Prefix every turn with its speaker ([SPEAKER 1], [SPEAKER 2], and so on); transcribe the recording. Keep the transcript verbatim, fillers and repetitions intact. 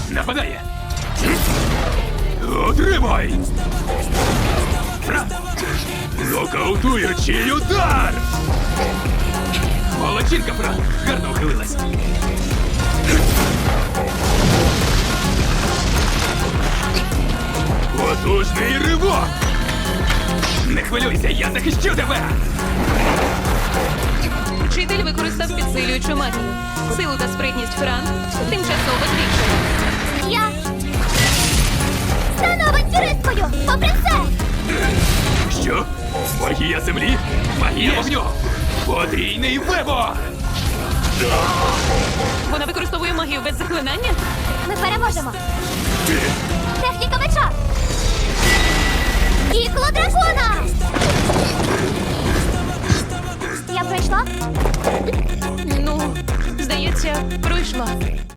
[SPEAKER 1] Нападає! Отримай! Фран! Нокаутуючий удар! Молодчинка, Фран! Гарно ухилилась! Потужний ривок! Не хвилюйся, я захищу тебе!
[SPEAKER 2] Вчитель використав підсилюючу магію. Силу та спритність Фран тимчасово збільшили.
[SPEAKER 3] Я стану авантюристкою, попри все!
[SPEAKER 1] Що? Магія землі? Магія вогню! Потрійний вибор!
[SPEAKER 2] Вона використовує магію без заклинання?
[SPEAKER 3] Ми переможемо! Техніка меча! Ікло дракона! Я пройшла?
[SPEAKER 2] Ну, здається, пройшла.